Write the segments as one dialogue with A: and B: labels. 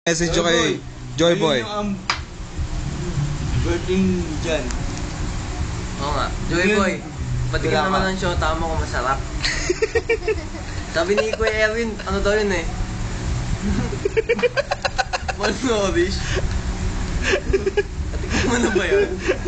A: Message ko kay Joy Boy.
B: Ayun yung birthday dyan.
C: Oo nga. Joy Boy, patikin naman ang show, tama ko masarap. Sabi ni Kuya Erwin, ano daw yun eh? Malnourished. Patikin mo na ba yun?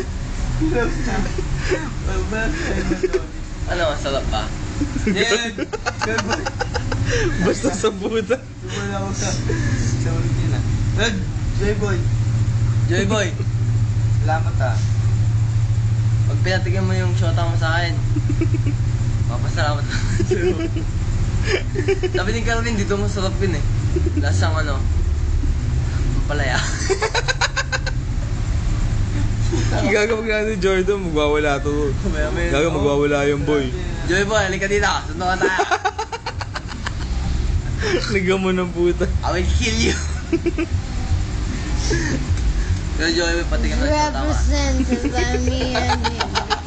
C: Ano, masarap ba?
B: Yan!
A: Basta sa buta.
B: Tumala ako sa ulit yun ah. Red! Joy Boy!
C: Joy Boy,
B: Salamat ah.
C: pag pinatikin mo yung shota mo sa akin, papasalamat ako sa'yo. Sabi ni Calvin, dito masarap yun eh. Lasang ano, palaya.
A: Gagawag nga ni Jordan, magwawala to. Gagawag magwawala yung boy.
C: Joy Boy, halika dito. Sundo ka tayo.
A: Liga mo ng puta.
C: I will kill you. Pero Joy Boy, patikin mo yung shota mo.
D: Represented by me and me.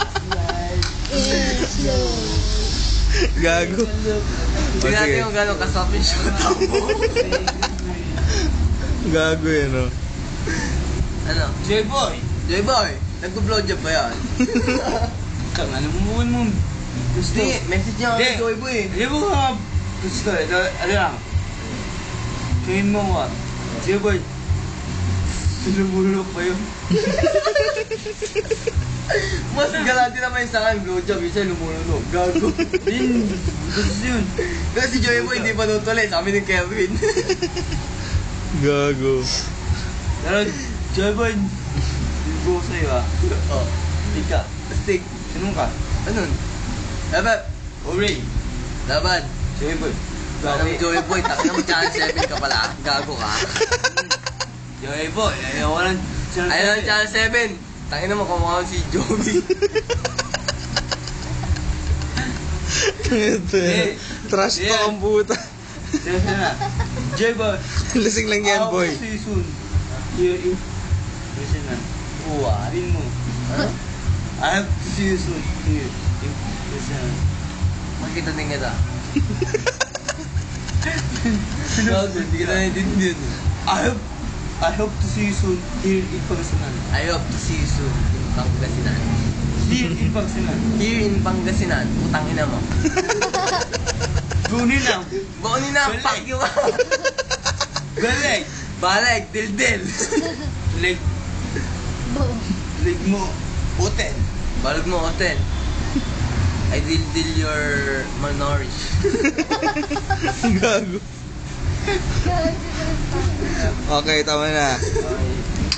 D: It's you.
A: Gago.
C: Tingnan natin kung gano'ng kasarap yung shota mo.
A: Gago yan o.
C: Ano?
B: Joy Boy!
C: Joy Boy, nag-blowjob ba yan?
B: Kang ano mo gusto?
C: Hindi, message niya ako kay Joy Boy eh.
B: Hindi mo nga gusto eh. Ano lang? Kain mo nga. Joy Boy. Tulumulok pa yun.
C: Mas galante naman yung sangay, blowjob, isa lumulunok. Gago.
B: Din, gusto yun.
C: Pero si Joy Boy hindi pa nutuloy, sabi ni Kevin.
A: Gago.
B: Pero Joy Boy, bilbo ko sa'yo ah.
C: Oh,
B: Ika.
C: stick.
B: Sinong ka?
C: Anun? Laban.
B: Ori.
C: Laban.
B: Joy Boy.
C: Alam mo Joy Boy, takin mo channel 7 ka pala. Gago ka.
B: Joy Boy, ayaw ko lang.
C: Ayun ang channel 7. Takin mo kumukha si Joey.
A: Ito yan. Trash talk ang puta.
B: Sige na. Joy Boy.
A: Lasing lang yan, boy.
B: I'll see you soon. Listen na.
C: Uwa.
B: Sabihin mo.
C: Ano?
B: I have to see you soon. Here. Listen na.
C: Makita din kita. Gago, hindi kita naiintindihan.
B: I hope to see you soon here in Pangasinan.
C: I hope to see you soon in Pangasinan.
B: Here in Pangasinan.
C: Here in Pangasinan, utang ina mo.
B: Gunin na.
C: Baunin na,
B: Balik.
C: fuck you.
B: Galing.
C: Balag, dildil.
B: Leg. Leg mo. Hotel.
C: Balag mo, hotel. I dildil your malnourished.
A: Gago. Okay, tama na.
B: Okay.